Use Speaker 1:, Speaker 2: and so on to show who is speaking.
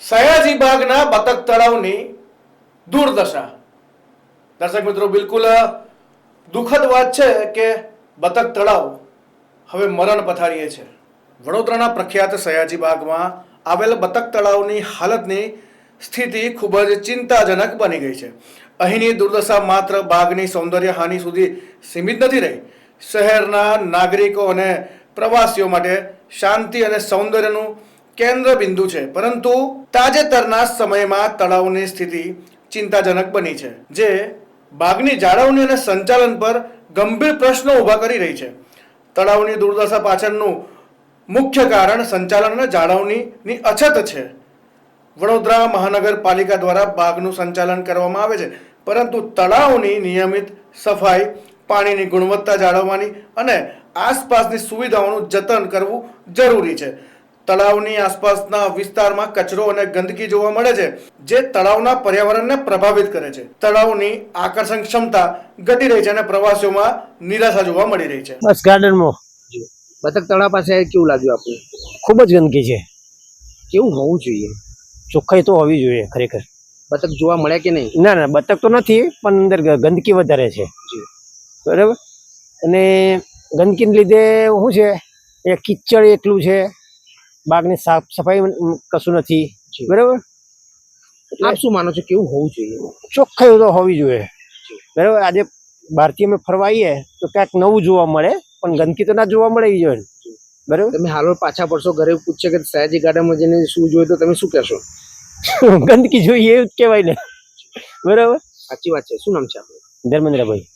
Speaker 1: સયાજી બાગના બતક તળાવની દુર્દશા. દર્શક મિત્રો, બિલકુલ દુઃખદ વાત છે કે બતક તળાવ હવે મરણ પથારીએ છે. વડોદરાના પ્રખ્યાત સયાજી બાગમાં આવેલ બતક તળાવની હાલતની સ્થિતિ ખૂબ જ ચિંતાજનક બની ગઈ છે. અહીંની દુર્દશા માત્ર બાગની સૌંદર્ય હાનિ સુધી સીમિત નથી રહી. શહેરના નાગરિકો અને પ્રવાસીઓ માટે શાંતિ અને સૌંદર્યનું કેન્દ્ર બિંદુ છે, પરંતુ તાજેતરના સમયમાં તળાવની સ્થિતિ ચિંતાજનક બની છે, જે બાગની જાળવણી અને સંચાલન પર ગંભીર પ્રશ્નો ઊભા કરી રહી છે. તળાવની દુર્દશા પાછળનું મુખ્ય કારણ સંચાલન અને જાળવણીની અછત છે. વડોદરા મહાનગરપાલિકા દ્વારા બાગનું સંચાલન કરવામાં આવે છે, પરંતુ તળાવની નિયમિત સફાઈ, પાણીની ગુણવત્તા જાળવવાની અને આસપાસની સુવિધાઓનું જતન કરવું જરૂરી છે. તળાવની આસપાસના વિસ્તારમાં કચરો અને ગંદકી જોવા મળે છે, જે તળાવના પર્યાવરણને પ્રભાવિત કરે છે. તળાવની આકર્ષણ ક્ષમતા ઘટી રહી છે અને પ્રવાસીઓમાં નિરાશા જોવા મળી રહી છે.
Speaker 2: બસ ગાર્ડનમાં
Speaker 3: બતક તળાવ પાસે કેવું લાગ્યું આપને?
Speaker 2: ખૂબ જ ગંદકી છે.
Speaker 3: કેવું હોવું જોઈએ?
Speaker 2: ચોખ્ખાઈ તો હોવી જોઈએ ખરેખર.
Speaker 3: બતક જોવા મળ્યા કે નહીં?
Speaker 2: ના બતક તો નથી, પણ અંદર ગંદકી વધારે છે. બરાબર. અને ગંદકીને લીધે શું છે, એ કિચડ એટલું છે, બાગની સાફ સફાઈ કશું નથી. બરાબર.
Speaker 3: આપ શું માનો છો, કેવું હોવું જોઈએ?
Speaker 2: ચોખ્ખાઈ તો હોવી જોઈએ. બરાબર. આજે બહારથી અમે ફરવા આવીએ તો ક્યાંક નવું જોવા મળે, પણ ગંદકી તો ના જોવા મળે એ જોઈએ. બરાબર.
Speaker 3: તમે હાલ પાછા પડશો, ઘરે પૂછશે કે સયાજી ગાર્ડનમાં જઈને શું જોયું, તો તમે શું કહેશો?
Speaker 2: ગંદકી જોઈએ એવું જ કહેવાય ને. બરાબર.
Speaker 3: સાચી વાત છે. શું નામ છે આપણું?
Speaker 2: ધર્મેન્દ્રભાઈ.